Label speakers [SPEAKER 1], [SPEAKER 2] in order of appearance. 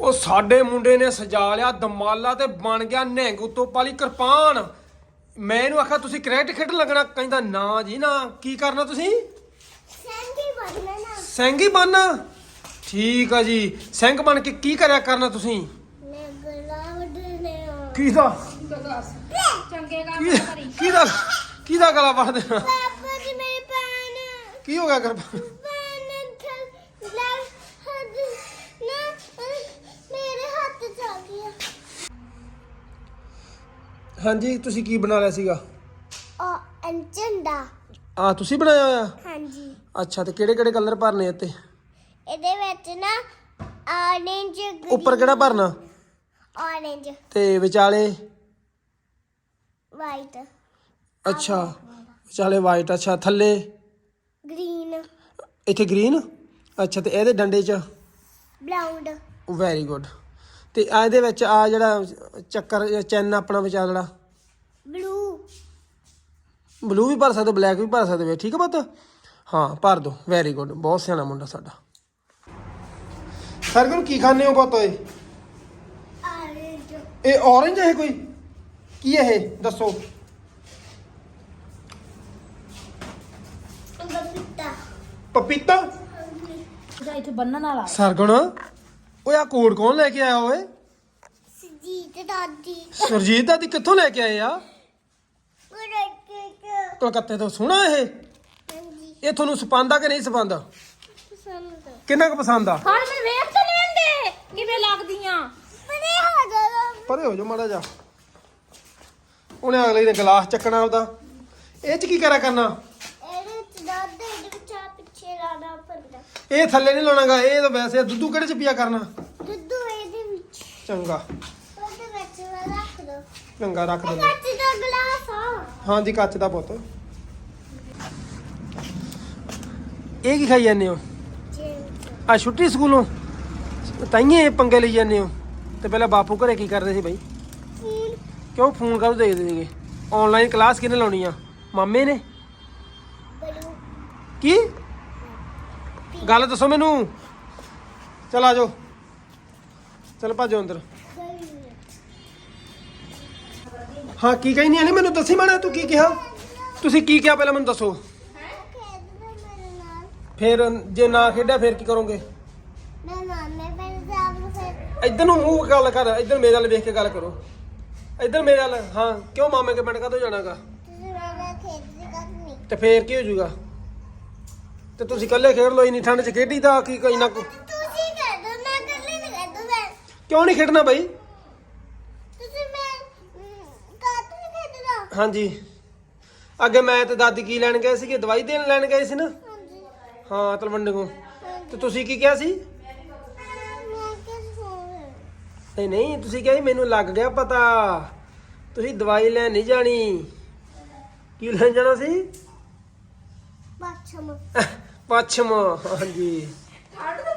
[SPEAKER 1] ਉਹ ਸਾਡੇ ਮੁੰਡੇ ਨੇ ਸਜਾ ਲਿਆ ਦਮਾਲਾ ਤੇ ਬਣ ਗਿਆ ਨਿਹੰਗ ਉੱਤੋਂ ਪਾਲੀ ਕਿਰਪਾਨ। ਮੈਂ ਇਹਨੂੰ ਆਖਿਆ ਤੁਸੀਂ ਕ੍ਰਿਕਟ ਖੇਡਣ ਲੱਗਣਾ, ਕਹਿੰਦਾ ਨਾ ਜੀ ਨਾ। ਕੀ ਕਰਨਾ ਤੁਸੀਂ? ਸਿੰਘ ਹੀ ਬਣਨਾ। ਠੀਕ ਆ ਜੀ, ਸਿੰਘ ਬਣ ਕੇ ਕੀ ਕਰਿਆ ਕਰਨਾ ਤੁਸੀਂ? ਕਿਹਦਾ ਕਿਹਦਾ ਗਲਾ ਵੱਢ ਦੇਣਾ? ਕੀ ਹੋ ਗਿਆ ਕਿਰਪਾਨ? ਹਾਂਜੀ, ਤੁਸੀਂ ਕੀ ਬਣਾ ਲਿਆ ਸੀਗਾ?
[SPEAKER 2] ਝੰਡਾ।
[SPEAKER 1] ਆ ਤੁਸੀਂ ਬਣਾਇਆ ਹੋਇਆ?
[SPEAKER 2] ਹਾਂਜੀ।
[SPEAKER 1] ਅੱਛਾ, ਤੇ ਕਿਹੜੇ ਕਿਹੜੇ ਕਲਰ ਭਰਨੇ ਇੱਥੇ?
[SPEAKER 2] ਇਹਦੇ ਵਿੱਚ ਨਾ orange,
[SPEAKER 1] ਉੱਪਰ ਕਿਹੜਾ ਭਰਨਾ?
[SPEAKER 2] orange
[SPEAKER 1] ਤੇ ਵਿਚਾਲੇ?
[SPEAKER 2] white,
[SPEAKER 1] ਅੱਛਾ, ਵਿਚਾਲੇ ਵਾਈਟ। ਅੱਛਾ, ਥੱਲੇ?
[SPEAKER 2] green,
[SPEAKER 1] ਇੱਥੇ ਗ੍ਰੀਨ। ਅੱਛਾ, ਤੇ ਇਹਦੇ ਡੰਡੇ 'ਚ?
[SPEAKER 2] brown,
[SPEAKER 1] very good. ਤੇ ਆ ਇਹਦੇ ਵਿੱਚ ਆ ਜਿਹੜਾ ਚੱਕਰ ਚੈਨ ਆਪਣਾ ਵਿਚਾਲੜਾ?
[SPEAKER 2] blue,
[SPEAKER 1] ਬਲੂ ਵੀ ਭਰ ਸਕਦੇ, ਬਲੈਕ ਵੀ ਭਰ ਸਕਦੇ ਵੇ। ਠੀਕ ਆ ਪੁੱਤ? ਹਾਂ, ਭਰ ਦੋ। ਵੈਰੀ ਗੁੱਡ, ਬਹੁਤ ਸਿਆਣਾ ਮੁੰਡਾ ਸਾਡਾ। ਸਰਗੁਣ ਕੀ ਖਾਣੇ ਹੋ ਪੁੱਤ ਓਏ?
[SPEAKER 2] orange,
[SPEAKER 1] ਇਹ ਔਰੇਂਜ ਹੈ ਕੋਈ? ਕੀ ਇਹ ਦੱਸੋ?
[SPEAKER 2] ਪਪੀਤਾ।
[SPEAKER 1] ਪਪੀਤਾ?
[SPEAKER 3] ਇੱਥੇ ਬੰਨਣ ਵਾਲਾ।
[SPEAKER 1] ਸਰਗੁਣ ਓਏ ਆ ਕੋਡ ਕੌਣ ਲੈ ਕੇ ਆਇਆ ਓਏ?
[SPEAKER 2] ਸੁਜੀਤ ਦਾਦੀ।
[SPEAKER 1] ਸੁਰਜੀਤ ਦਾਦੀ ਕਿੱਥੋਂ ਲੈ ਕੇ ਆਏ ਆ? ਕਲਕੱਤੇ ਤੋਂ। ਸੋਹਣਾ ਇਹ?
[SPEAKER 2] ਹਾਂਜੀ।
[SPEAKER 1] ਇਹ ਤੁਹਾਨੂੰ ਸਪਾਂਦਾ ਕਿ ਨਹੀਂ ਸਪਾਂਦਾ?
[SPEAKER 2] ਪਸੰਦ।
[SPEAKER 1] ਕਿੰਨਾ ਕੁ ਪਸੰਦ ਆ?
[SPEAKER 3] ਹਾਂ ਮੈਂ ਵੇਖ ਤਾਂ ਲੈਂਦੇ ਕਿਵੇਂ ਲੱਗਦੀਆਂ।
[SPEAKER 2] ਬੜੇ ਹੋ ਜਾਣਾ।
[SPEAKER 1] ਪਰੇ ਹੋ ਜਾ ਮਾੜਾ ਜਾ। ਉਹਨੇ ਅਗਲੇ ਨੇ ਗਲਾਸ ਚੱਕਣਾ ਉਹਦਾ। ਇਹ ਚ ਕੀ ਕਰਿਆ ਕਰਨਾ?
[SPEAKER 2] ਇਹਦੇ ਚ ਦੁੱਧ ਇਹਦੇ ਵਿੱਚ ਆ ਪਿੱਛੇ ਲਾਣਾ ਪੈਂਦਾ।
[SPEAKER 1] ਇਹ ਥੱਲੇ ਨਹੀਂ ਲਾਉਣਾਗਾ, ਇਹ ਤਾਂ ਵੈਸੇ ਦੁੱਧੂ ਕਿਹੜੇ ਚ ਪੀਆ ਕਰਨਾ?
[SPEAKER 2] ਦੁੱਧ ਇਹਦੇ ਵਿੱਚ।
[SPEAKER 1] ਚੰਗਾ
[SPEAKER 2] ਉਹਦੇ ਵਿੱਚ ਰੱਖ ਦੋ।
[SPEAKER 1] ਚੰਗਾ, ਰੱਖ
[SPEAKER 2] ਇਹ
[SPEAKER 1] ਦਿੰਦੇ।
[SPEAKER 2] ਕੱਚ ਦਾ ਗਲਾਸ ਆ।
[SPEAKER 1] ਹਾਂਜੀ, ਕੱਚ ਦਾ ਪੁੱਤ। ਇਹ ਕੀ ਖਾਈ ਜਾਂਦੇ ਹੋ? ਆ ਛੁੱਟੀ ਸਕੂਲੋਂ ਤਾਈਏ ਪੰਗੇ ਲਈ ਜਾਂਦੇ ਹੋ? ਤੇ ਪਹਿਲਾਂ ਬਾਪੂ ਘਰੇ ਕੀ ਕਰਦੇ ਸੀ ਬਾਈ?
[SPEAKER 2] ਫੋਨ।
[SPEAKER 1] ਕਿਉਂ ਫੋਨ ਕਦੋਂ ਦੇਖਦੇ ਸੀਗੇ? ਆਨਲਾਈਨ ਕਲਾਸ ਕਿਹਨੇ ਲਾਉਣੀ ਆ? ਮਾਮੇ ਨੇ?
[SPEAKER 2] ਬਲੂ।
[SPEAKER 1] ਕੀ ਗੱਲ ਦੱਸੋ ਮੈਨੂੰ। ਚਲ ਆ ਜਾਓ, ਚਲ ਭੱਜੋ ਅੰਦਰ। ਹਾਂ, ਕੀ ਕਹਿੰਦੀ ਆ? ਮੈਨੂੰ ਦੱਸੀ ਮਾੜਾ, ਤੂੰ ਕੀ ਕਿਹਾ? ਤੁਸੀਂ ਕੀ ਕਿਹਾ ਪਹਿਲਾਂ ਮੈਨੂੰ ਦੱਸੋ।
[SPEAKER 2] ਖੇਡਦਾ ਮੇਰੇ ਨਾਲ।
[SPEAKER 1] ਫਿਰ ਜੇ ਨਾ ਖੇਡਿਆ ਫਿਰ ਕੀ ਕਰੋਗੇ?
[SPEAKER 2] ਮੈਂ ਨਾਨੇ ਪੈਰ ਜਾਮ ਫਿਰ।
[SPEAKER 1] ਇੱਧਰ ਨੂੰ ਮੂੰਹ ਗੱਲ ਕਰ, ਇੱਧਰ ਮੇਰੇ ਵੱਲ ਵੇਖ ਕੇ ਗੱਲ ਕਰੋ। ਇੱਧਰ ਮੇਰੇ ਵੱਲ। ਹਾਂ, ਕਿਉਂ ਮਾਮੇ ਕੇ ਪਿੰਡ ਕਾਹਤੋਂ ਜਾਣਾਗਾ?
[SPEAKER 2] ਤੁਸੀਂ ਮੇਰਾ ਖੇਡਦੀ ਕਰਨੀ।
[SPEAKER 1] ਤੇ ਫੇਰ ਕੀ ਹੋ ਜਾਊਗਾ? ਤੇ ਤੁਸੀਂ ਇਕੱਲੇ ਖੇਡ ਲਓ, ਇੰਨੀ ਠੰਡ 'ਚ ਖੇਡੀ ਦਾ ਕੀ ਕੋਈ ਨਾ।
[SPEAKER 2] ਤੁਸੀਂ ਖੇਡੋ, ਮੈਂ ਇਕੱਲੇ ਨਹੀਂ ਖੇਡੂ। ਮੈਂ
[SPEAKER 1] ਕਿਉਂ ਨਹੀਂ ਖੇਡਣਾ ਬਾਈ?
[SPEAKER 2] ਤੁਸੀਂ ਮੈਂ ਕਾਟ ਨਹੀਂ ਖੇਡਦਾ।
[SPEAKER 1] ਹਾਂਜੀ, ਅੱਗੇ ਮੈਂ ਤੇ ਦਾਦੀ ਕੀ ਲੈਣ ਗਏ ਸੀਗੇ? ਦਵਾਈ ਦੇਣ ਲੈਣ ਗਏ ਸੀ ਨਾ?
[SPEAKER 2] ਹਾਂਜੀ।
[SPEAKER 1] ਹਾਂ, ਤਲਵੰਡੀ ਤੋਂ। ਤੇ ਤੁਸੀਂ ਕੀ ਕਿਹਾ ਸੀ?
[SPEAKER 2] ਮੈਂ ਕਿਸ ਹੋਵੇ।
[SPEAKER 1] ਨਹੀਂ ਨਹੀਂ, ਤੁਸੀਂ ਕਿਹਾ ਸੀ ਮੈਨੂੰ ਲੱਗ ਗਿਆ ਪਤਾ, ਤੁਸੀਂ ਦਵਾਈ ਲੈਣ ਨਹੀਂ ਜਾਣੀ। ਕੀ ਲੈਣ ਜਾਣਾ ਸੀ?
[SPEAKER 2] ਬਾਛਮ।
[SPEAKER 1] ਪੱਛਮ। ਹਾਂਜੀ,
[SPEAKER 3] ਛੱਡ ਦੇ